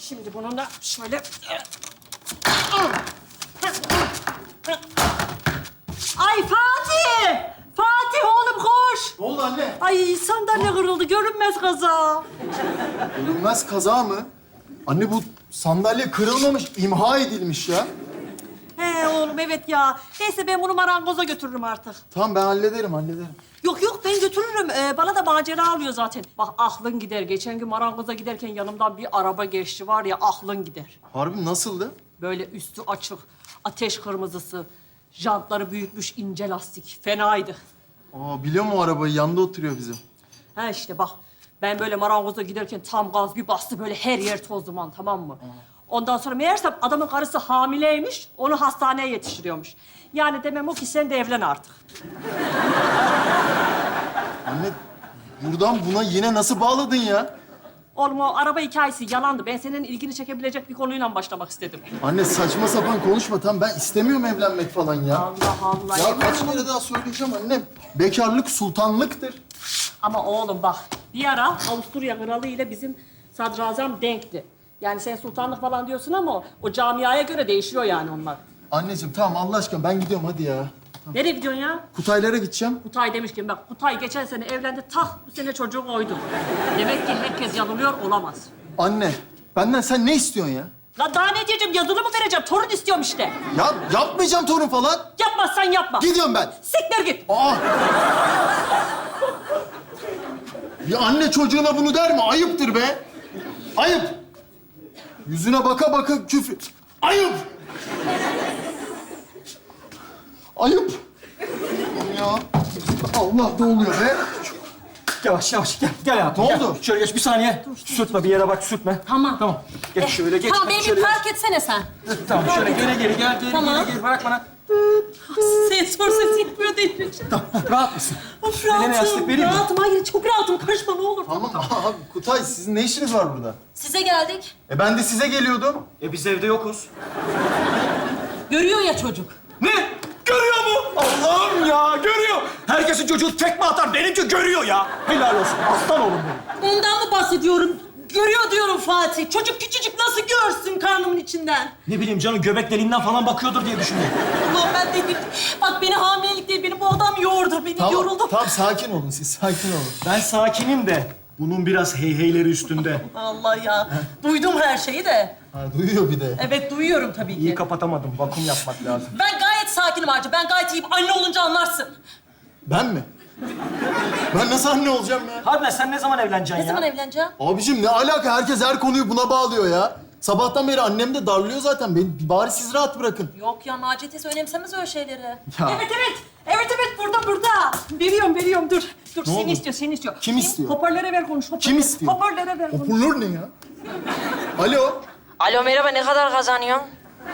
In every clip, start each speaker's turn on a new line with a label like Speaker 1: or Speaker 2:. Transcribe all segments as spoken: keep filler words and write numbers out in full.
Speaker 1: Şimdi bununla şöyle... Ay Fatih! Fatih oğlum koş!
Speaker 2: Ne oldu anne?
Speaker 1: Ay sandalye kırıldı, görünmez kaza.
Speaker 2: Görünmez kaza mı? Anne bu sandalye kırılmamış, imha edilmiş ya.
Speaker 1: He oğlum evet ya. Neyse ben bunu marangoza götürürüm artık.
Speaker 2: Tamam ben hallederim, hallederim.
Speaker 1: Yok yok ben götürürüm. Ee, bana da macera alıyor zaten. Bak aklın gider. Geçen gün marangoza giderken yanımdan bir araba geçti var ya aklın gider.
Speaker 2: Harbi nasıldı?
Speaker 1: Böyle üstü açık, ateş kırmızısı, jantları büyütmüş ince lastik. Fenaydı.
Speaker 2: Aa biliyor mu o arabayı? Yanında oturuyor bizim.
Speaker 1: Ha işte bak ben böyle marangoza giderken tam gaz bir bastı böyle her yer toz duman tamam mı? Ondan sonra meğersem adamın karısı hamileymiş, onu hastaneye yetiştiriyormuş. Yani demem o ki sen de evlen artık.
Speaker 2: Anne buradan buna yine nasıl bağladın ya?
Speaker 1: Oğlum o araba hikayesi yalandı. Ben senin ilgini çekebilecek bir konuyla başlamak istedim.
Speaker 2: Anne saçma sapan konuşma. Tamam ben istemiyorum evlenmek falan ya.
Speaker 1: Allah Allah.
Speaker 2: Ya kaç kere daha söyleyeceğim annem. Bekarlık sultanlıktır.
Speaker 1: Ama oğlum bak bir ara Avusturya kralı ile bizim sadrazam denkti. Yani sen sultanlık falan diyorsun ama o, o camiaya göre değişiyor yani onlar.
Speaker 2: Anneciğim tamam Allah aşkına ben gidiyorum hadi ya.
Speaker 1: Nereye gidiyorsun ya?
Speaker 2: Kutaylara gideceğim.
Speaker 1: Kutay demişken bak Kutay geçen sene evlendi tak bu sene çocuğu koydu. Demek ki herkes yanılıyor olamaz.
Speaker 2: Anne benden sen ne istiyorsun ya?
Speaker 1: Lan daha ne diyeceğim yazılı mı vereceğim torun istiyorum işte.
Speaker 2: Ya yapmayacağım torun falan.
Speaker 1: Yapmazsan yapma.
Speaker 2: Gidiyorum ben.
Speaker 1: Siktir git.
Speaker 2: Aa! Bir anne çocuğuna bunu der mi? Ayıptır be. Ayıp. Yüzüne baka baka küfür. Ayıp. Ayıp. Ya. Allah ne oluyor be?
Speaker 3: Yavaş yavaş gel gel hayatım.
Speaker 2: Ne
Speaker 3: gel.
Speaker 2: oldu?
Speaker 3: Şöyle geç bir saniye. Sürtme bir yere bak sürtme.
Speaker 1: Tamam.
Speaker 3: Tamam. Geç şöyle geç.
Speaker 4: Tamam
Speaker 3: bak,
Speaker 4: beni
Speaker 3: şöyle
Speaker 4: bir
Speaker 3: geç.
Speaker 4: park etsene sen.
Speaker 3: Tamam şöyle geri geri gel geri
Speaker 4: Tamam.
Speaker 3: geri geri bırak bana.
Speaker 1: Sensör ses yapıyor değil.
Speaker 3: Tamam rahat mısın?
Speaker 1: Of
Speaker 3: Beline yastık
Speaker 1: rahatım.
Speaker 3: vereyim mi?
Speaker 1: Rahatım hayır çok rahatım karışma ne olur.
Speaker 2: Tamam abi Kutay sizin ne işiniz var burada?
Speaker 4: Size geldik.
Speaker 2: E ben de size geliyordum.
Speaker 3: E biz evde yokuz.
Speaker 4: Görüyor ya çocuk.
Speaker 3: Ne? Görüyor mu? Allah'ım ya görüyor. Herkesin çocuğu tekme atar benimki görüyor ya. Helal olsun aslan oğlum benim.
Speaker 1: Ondan mı bahsediyorum? Görüyor diyorum Fatih. Çocuk küçücük nasıl görsün karnımın içinden?
Speaker 3: Ne bileyim canım göbek deliğinden falan bakıyordur diye düşündüm.
Speaker 1: Ulan ben de bak beni hamilelik değil, beni bu adam yoğurdu. Beni
Speaker 2: Tamam,
Speaker 1: yoruldum.
Speaker 2: tamam sakin olun siz sakin olun.
Speaker 3: Ben sakinim de bunun biraz heyheyleri üstünde.
Speaker 1: Allah ya. Duydum her şeyi de.
Speaker 2: Ha, duyuyor bir de.
Speaker 1: Evet duyuyorum tabii
Speaker 3: İyi
Speaker 1: ki.
Speaker 3: kapatamadım. Vakum yapmak lazım.
Speaker 1: Ben gayet sakinim Arca. Ben gayet iyiyim. Anne olunca anlarsın.
Speaker 2: Ben mi? Ben nasıl anne olacağım ya?
Speaker 3: Harbiden sen ne zaman evleneceksin
Speaker 4: Ne
Speaker 3: ya?
Speaker 4: zaman evleneceğim?
Speaker 2: Abicim ne alaka? Herkes her konuyu buna bağlıyor ya. Sabahtan beri annem de darlıyor zaten. Beni bari siz rahat bırakın.
Speaker 4: Yok ya Naciye teyze önemsemez öyle şeyleri.
Speaker 2: Ya.
Speaker 1: Evet evet. Evet evet burada burada. Veriyorum veriyorum dur. Dur seni
Speaker 2: oldu?
Speaker 1: istiyor seni istiyor.
Speaker 2: Kim istiyor?
Speaker 1: Hoparlöre ver konuş. Hoparlöre.
Speaker 2: Kim istiyor?
Speaker 1: Hoparlöre ver konuş.
Speaker 2: Hoparlör ne ya? Alo.
Speaker 4: Alo merhaba ne kadar kazanıyorsun?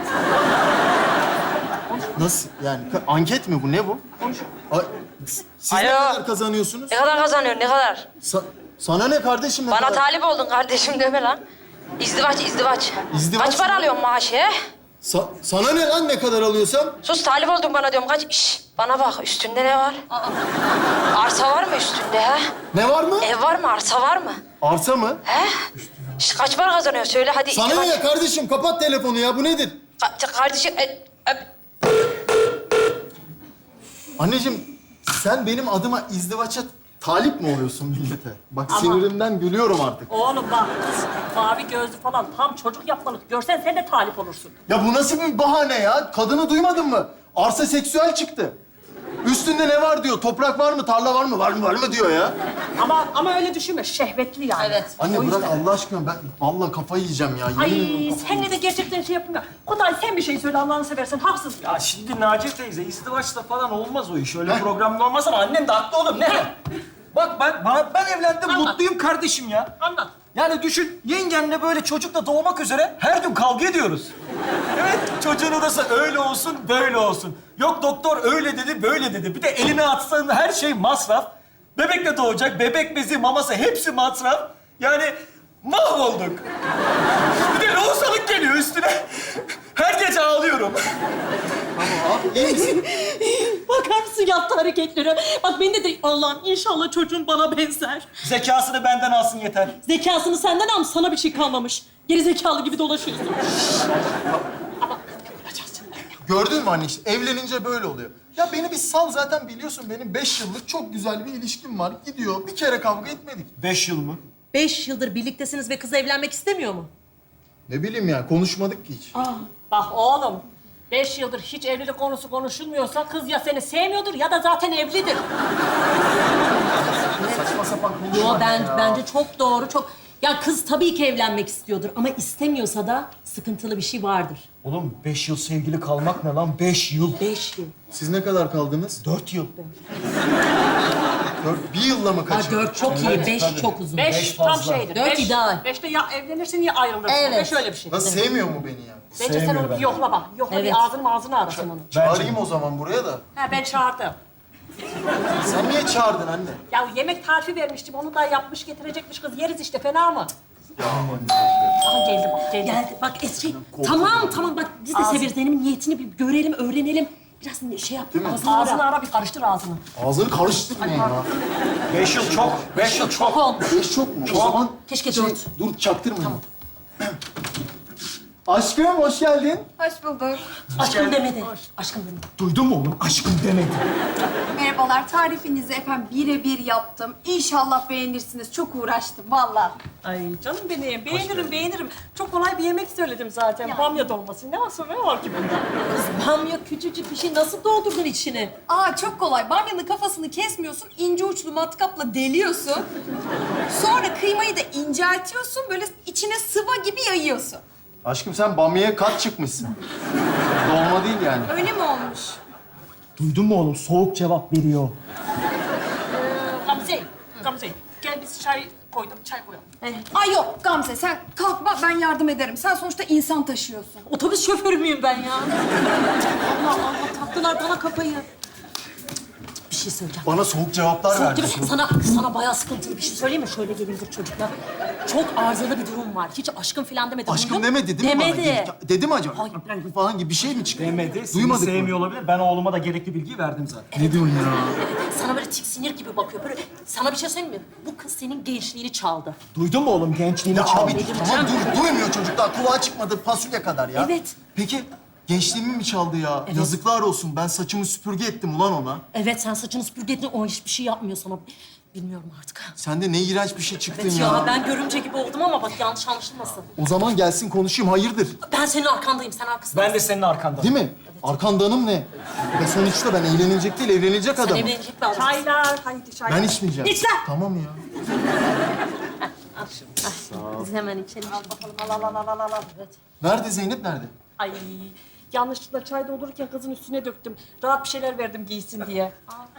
Speaker 2: Nasıl? Yani ka- anket mi bu? Ne bu?
Speaker 1: Konuş.
Speaker 2: Ay, siz ne
Speaker 4: Alo.
Speaker 2: kadar kazanıyorsunuz?
Speaker 4: Ne kadar kazanıyorsun ne kadar?
Speaker 2: Sa- sana ne kardeşim? Ne
Speaker 4: Bana
Speaker 2: kadar?
Speaker 4: talip oldun kardeşim deme lan. İzdivaç izdivaç.
Speaker 2: İzdivaç
Speaker 4: Kaç para
Speaker 2: mı?
Speaker 4: alıyorsun maaşı he?
Speaker 2: Sa- sana ne lan ne kadar alıyorsam?
Speaker 4: Sus talip oldun bana diyorum kaç. Şş, bana bak üstünde ne var? Arsa var mı üstünde he?
Speaker 2: Ne var mı?
Speaker 4: Ev var mı arsa var mı?
Speaker 2: Arsa mı?
Speaker 4: He? Şş, kaç para kazanıyorsun söyle hadi.
Speaker 2: Sana
Speaker 4: izdivaç.
Speaker 2: ne kardeşim? Kapat telefonu ya. Bu nedir?
Speaker 4: Ka- kardeşim e, e,
Speaker 2: Anneciğim sen benim adıma izdivaça talip mi oluyorsun millete? Bak
Speaker 1: Ama-
Speaker 2: sinirimden gülüyorum artık.
Speaker 1: Oğlum bak mavi gözlü falan tam çocuk yapmalık. Görsen sen de talip olursun.
Speaker 2: Ya bu nasıl bir bahane ya? Kadını duymadın mı? Arsa seksüel çıktı. Üstünde ne var diyor. Toprak var mı? Tarla var mı? Var mı? Var mı diyor ya.
Speaker 1: Ama ama öyle düşünme. Şehvetli yani.
Speaker 4: Evet.
Speaker 2: Anne
Speaker 1: O
Speaker 2: bırak
Speaker 1: yüzden.
Speaker 2: Allah aşkına ben vallahi kafayı yiyeceğim ya. Yemin
Speaker 1: Ay
Speaker 2: ederim kafayı-
Speaker 1: senle de gerçekten şey yapayım ya. Kutay sen bir şey söyle Allah'ını seversen haksız ya.
Speaker 3: Ya şimdi Naciye teyze izdivaçla falan olmaz o iş. Öyle programda olmaz ama annem de haklı oğlum. Ne? Bak ben bana, ben evlendim
Speaker 1: Anlat.
Speaker 3: mutluyum kardeşim ya.
Speaker 1: Anlat.
Speaker 3: Yani düşün yengenle böyle çocuk da doğmak üzere her gün kavga ediyoruz. Evet çocuğun odası öyle olsun böyle olsun. Yok doktor öyle dedi böyle dedi. Bir de eline atsan her şey masraf. Bebek de doğacak bebek bezi maması hepsi masraf. Yani mahvolduk. Bir de lohusalık geliyor üstüne. Her gece ağlıyorum.
Speaker 2: Abi iyi misin?
Speaker 1: Bak
Speaker 5: bakar mısın yaptığı hareketlere? Bak beni de de Allah'ım inşallah çocuğum bana benzer.
Speaker 3: Zekasını benden alsın yeter.
Speaker 5: Zekasını senden almış, sana bir şey kalmamış. Geri zekalı gibi dolaşıyorsun.
Speaker 2: Gördün mü anne işte evlenince böyle oluyor. Ya beni bir sal zaten biliyorsun benim beş yıllık çok güzel bir ilişkim var. Gidiyor bir kere kavga etmedik.
Speaker 3: Beş yıl mı?
Speaker 5: Beş yıldır birliktesiniz ve kız evlenmek istemiyor mu?
Speaker 2: Ne bileyim ya konuşmadık ki hiç.
Speaker 1: Bak oğlum, beş yıldır hiç evlilik konusu konuşulmuyorsa kız ya seni sevmiyordur ya da zaten evlidir.
Speaker 2: Saçma sapan konuşma.
Speaker 5: Yo ben
Speaker 2: ya.
Speaker 5: bence çok doğru, çok... Ya kız tabii ki evlenmek istiyordur ama istemiyorsa da sıkıntılı bir şey vardır.
Speaker 3: Oğlum beş yıl sevgili kalmak ne lan? Beş yıl.
Speaker 5: Beş yıl.
Speaker 2: Siz ne kadar kaldınız?
Speaker 3: Dört yıl.
Speaker 2: Dört, bir yılla mı
Speaker 5: Ha,
Speaker 2: kaçırdın?
Speaker 5: dört çok iyi, beş çok uzun.
Speaker 1: Beş,
Speaker 3: Beş
Speaker 1: tam
Speaker 3: fazla.
Speaker 1: şeydir.
Speaker 5: Dört
Speaker 1: beş,
Speaker 5: ideal.
Speaker 1: Beşte ya evlenirsin ya ayrılırsın.
Speaker 5: Evet.
Speaker 1: Beş öyle bir şey.
Speaker 2: Nasıl sevmiyor mu beni ya?
Speaker 1: Bence sen
Speaker 3: Sevmiyor
Speaker 1: onu bir
Speaker 3: bence.
Speaker 1: yokla bak. Yokla
Speaker 5: Evet.
Speaker 1: bir ağzını ağzını arasın onu.
Speaker 2: Çağırayım o zaman buraya da.
Speaker 1: Ha ben çağırdım.
Speaker 2: Sen niye çağırdın anne?
Speaker 1: Ya yemek tarifi vermiştim. Onu da yapmış getirecekmiş kız. Yeriz işte fena mı? Aha geldi bak geldi.
Speaker 5: Geldi. Bak Esri, tamam tamam bak biz de severiz. Benim niyetini bir görelim, öğrenelim. Biraz şey yap, ağzını
Speaker 1: Ağzını
Speaker 5: ara.
Speaker 1: ara bir karıştır ağzını.
Speaker 2: Ağzını karıştırma ya.
Speaker 3: Beş yıl çok. Beş yıl çok.
Speaker 5: Olmuş.
Speaker 2: Beş çok mu? O zaman
Speaker 5: Keşke
Speaker 2: şey,
Speaker 5: dört.
Speaker 2: dur çaktırmayın. Aşkım hoş geldin.
Speaker 6: Hoş bulduk.
Speaker 5: Aşkım demedi. Aşkım demedi.
Speaker 3: Duydun mu oğlum? Aşkım demedi.
Speaker 6: Merhabalar. Tarifinizi efendim birebir yaptım. İnşallah beğenirsiniz. Çok uğraştım vallahi.
Speaker 1: Ay canım benim. Beğenirim beğenirim. Çok kolay bir yemek söyledim zaten. Bamya dolması. Ne var ne var ki bunda?
Speaker 5: Kız bamya küçücük bir şey nasıl doldurdun içine?
Speaker 6: Aa çok kolay. Bamyanın kafasını kesmiyorsun. İnce uçlu matkapla deliyorsun. Sonra kıymayı da inceltiyorsun. Böyle içine sıva gibi yayıyorsun.
Speaker 2: Aşkım sen bamya'ya kat çıkmışsın. Dolma değil yani.
Speaker 6: Öyle mi olmuş?
Speaker 3: Duydun mu oğlum? Soğuk cevap veriyor.
Speaker 1: Ee, Gamze, Gamze. Gel biz çay koydum, çay koyalım.
Speaker 6: Ay yok Gamze sen kalkma ben yardım ederim. Sen sonuçta insan taşıyorsun.
Speaker 5: Otobüs şoförü müyüm ben ya? Allah Allah taktılar bana kafayı. Bir şey söyleyeceğim.
Speaker 2: Bana soğuk cevaplar
Speaker 5: Soğuk
Speaker 2: verdi.
Speaker 5: gibi, sana, sana bayağı sıkıntılı bir şey söyleyeyim mi? Şöyle gelin dur çocuklar. Çok arızalı bir durum var. Hiç aşkım falan demedi.
Speaker 2: Aşkım
Speaker 5: Duydun?
Speaker 2: demedi değil mi bana?
Speaker 5: Demedi.
Speaker 2: Dedi- Dedi mi acaba?
Speaker 5: Hayır.
Speaker 2: Falan gibi bir şey mi çıktı?
Speaker 3: Demedi. Seni
Speaker 2: Duymadık mı?
Speaker 3: sevmiyor olabilir. Ben oğluma da gerekli bilgiyi verdim zaten.
Speaker 2: Ne diyorsun ya?
Speaker 5: Sana böyle tiksinir gibi bakıyor. Böyle sana bir şey söyleyeyim mi? Bu kız senin gençliğini çaldı.
Speaker 3: Duydun mu oğlum? Gençliğini
Speaker 2: Ya
Speaker 3: çaldı.
Speaker 2: abi tamam dur, duymuyor çocuk daha. Kulağa çıkmadı fasulye kadar ya.
Speaker 5: Evet.
Speaker 2: Peki gençliğimi mi çaldı ya?
Speaker 5: Evet.
Speaker 2: Yazıklar olsun. Ben saçımı süpürge ettim ulan ona.
Speaker 5: Evet sen saçını süpürge ettin, o hiçbir şey yapmıyor sana. Bilmiyorum artık.
Speaker 2: Sen de ne iğrenç bir şey çıktın
Speaker 5: Evet
Speaker 2: ya.
Speaker 5: ya, ben görümce gibi oldum ama bak yanlış anlaşılmasın.
Speaker 2: O zaman gelsin konuşayım. Hayırdır?
Speaker 5: Ben senin arkandayım, sen arkasındasın.
Speaker 3: Ben de senin arkanda.
Speaker 2: Değil mi? Arkandanım ne? Ve sonuçta ben eğlenilecek değil, evlenilecek
Speaker 5: Sen
Speaker 2: adamım.
Speaker 5: evlenecek bir adamsın.
Speaker 1: Çaylar, haydi çaylar.
Speaker 2: Ben içmeyeceğim.
Speaker 5: İç lan!
Speaker 2: Tamam ya.
Speaker 5: Biz hemen içelim.
Speaker 1: Al bakalım, al al al al al. al.
Speaker 5: Evet.
Speaker 2: Nerede Zeynep nerede?
Speaker 1: Ay yanlışlıkla çay doldururken kızın üstüne döktüm. Rahat bir şeyler verdim giysin diye.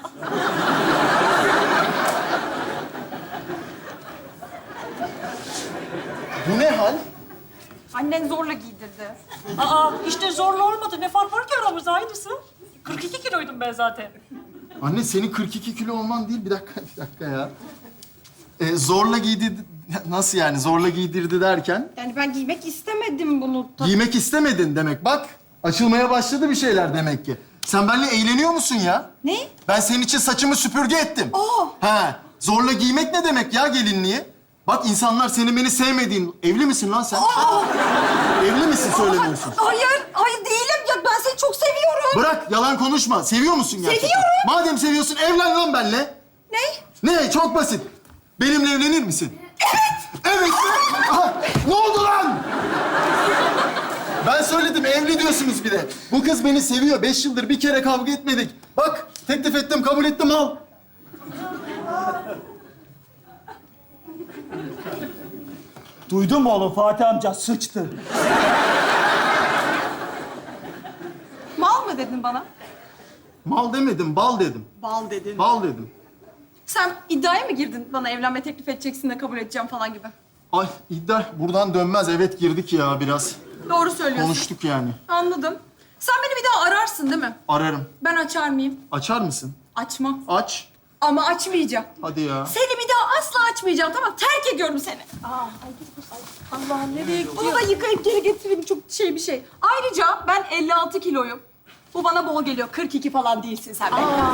Speaker 2: Bu ne hal?
Speaker 6: Annen zorla giydirdi.
Speaker 1: Aa işte zorla olmadı. Ne fark var ki aramızda aynısı. kırk iki kiloydum ben zaten.
Speaker 2: Anne senin kırk iki kilo olman değil. Bir dakika, bir dakika ya. Ee, zorla giydirdi... Nasıl yani? Zorla giydirdi derken?
Speaker 6: Yani ben giymek istemedim bunu.
Speaker 2: Giymek istemedin demek. Bak, açılmaya başladı bir şeyler demek ki. Sen benimle eğleniyor musun ya?
Speaker 6: Ne?
Speaker 2: Ben senin için saçımı süpürge ettim.
Speaker 6: Aa!
Speaker 2: He, zorla giymek ne demek ya gelinliği? Bak insanlar senin beni sevmediğin... Evli misin lan sen?
Speaker 6: Aa!
Speaker 2: Evli misin söylemiyorsun?
Speaker 6: Hayır, hayır değilim. Ya ben seni çok seviyorum.
Speaker 2: Bırak, yalan konuşma. Seviyor musun gerçekten?
Speaker 6: Seviyorum.
Speaker 2: Madem seviyorsun, evlen lan benimle.
Speaker 6: Ne?
Speaker 2: Ne? Çok basit. Benimle evlenir misin? Evet. Evet mi? Aha, ne oldu lan? Ben söyledim, evli diyorsunuz bir de. Bu kız beni seviyor. Beş yıldır bir kere kavga etmedik. Bak, teklif ettim, kabul ettim, al.
Speaker 3: Duydun mu oğlum? Fatih amca sıçtı.
Speaker 6: Mal mı dedin bana?
Speaker 2: Mal demedim, bal dedim.
Speaker 6: Bal dedin.
Speaker 2: Bal dedim.
Speaker 6: Sen iddiaya mı girdin? Bana evlenme teklif edeceksin de kabul edeceğim falan gibi.
Speaker 2: Ay iddia buradan dönmez. Evet girdik ya biraz.
Speaker 6: Doğru söylüyorsun.
Speaker 2: Konuştuk yani.
Speaker 6: Anladım. Sen beni bir daha ararsın değil mi?
Speaker 2: Ararım.
Speaker 6: Ben açar mıyım?
Speaker 2: Açar mısın?
Speaker 6: Açmam.
Speaker 2: Aç.
Speaker 6: Ama açmayacağım.
Speaker 2: Hadi ya.
Speaker 6: Seni bir daha asla açmayacağım tamam. Terk ediyorum seni.
Speaker 1: Allah'ım nereye gidiyor?
Speaker 6: Bunu da yıkayıp geri getireyim çok şey bir şey. Ayrıca ben elli altı kiloyum. Bu bana bol geliyor. kırk iki falan değilsin sen be.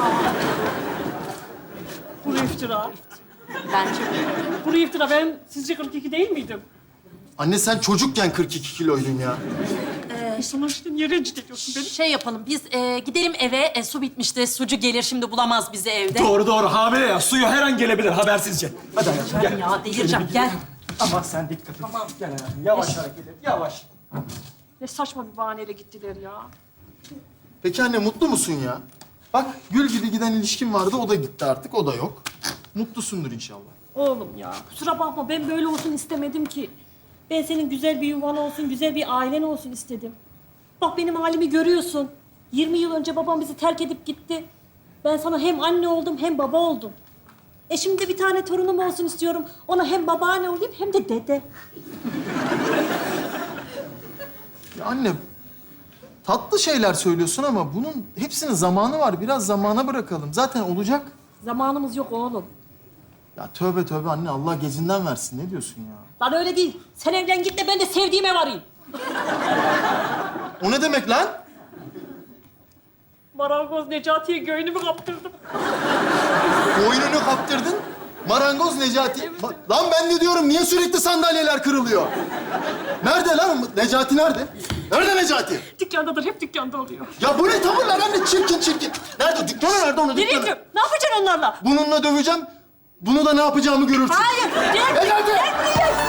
Speaker 1: Kuru iftira.
Speaker 5: Bence
Speaker 1: Kuru iftira. Ben sizce kırk iki değil miydim?
Speaker 2: Anne sen çocukken kırk iki kiloydun ya.
Speaker 1: Ee, sana işte niye rencide ediyorsun beni?
Speaker 5: şey yapalım. Biz e, gidelim eve. E, su bitmişti. Sucu gelir şimdi bulamaz bizi evde.
Speaker 3: Doğru doğru hamile ya. Suyu her an gelebilir habersizce. Hadi hayatım gel.
Speaker 5: Ya delireceğim. Gel.
Speaker 3: Ama sen dikkat et. Tamam. Gel hayatım. Yavaş hareket et. Yavaş.
Speaker 1: Ne saçma bir bahaneyle gittiler ya.
Speaker 2: Peki anne mutlu musun ya? Bak gül gibi giden ilişkin vardı, o da gitti artık, o da yok. Mutlusundur inşallah.
Speaker 1: Oğlum ya, kusura bakma ben böyle olsun istemedim ki. Ben senin güzel bir yuvan olsun, güzel bir ailen olsun istedim. Bak benim halimi görüyorsun. yirmi yıl önce babam bizi terk edip gitti. Ben sana hem anne oldum hem baba oldum. E şimdi de bir tane torunum olsun istiyorum. Ona hem babaanne olayım hem de dede.
Speaker 2: Ya anne, tatlı şeyler söylüyorsun ama bunun hepsinin zamanı var. Biraz zamana bırakalım. Zaten olacak.
Speaker 1: Zamanımız yok oğlum.
Speaker 2: Ya tövbe tövbe anne, Allah gecinden versin. Ne diyorsun ya?
Speaker 1: Lan öyle değil. Sen evlen git de ben de sevdiğime varayım.
Speaker 2: O ne demek lan?
Speaker 1: Marangoz Necati'ye göğünümü kaptırdım.
Speaker 2: Boynunu kaptırdın. Marangoz Necati. Ma- lan ben de diyorum, niye sürekli sandalyeler kırılıyor? Nerede lan? Necati nerede? Nerede Necati?
Speaker 1: Dükkandadır, hep dükkanda oluyor.
Speaker 2: Ya bu ne tavırlar anne? Çirkin çirkin. Nerede? Dükkanı nerede onun
Speaker 1: Nereye
Speaker 2: dükkanı?
Speaker 1: gidiyorum? Ne yapacaksın onlarla?
Speaker 2: Bununla döveceğim. Bunu da ne yapacağımı görürsün.
Speaker 1: Hayır, gel.
Speaker 2: Necati!
Speaker 1: Gel, gel.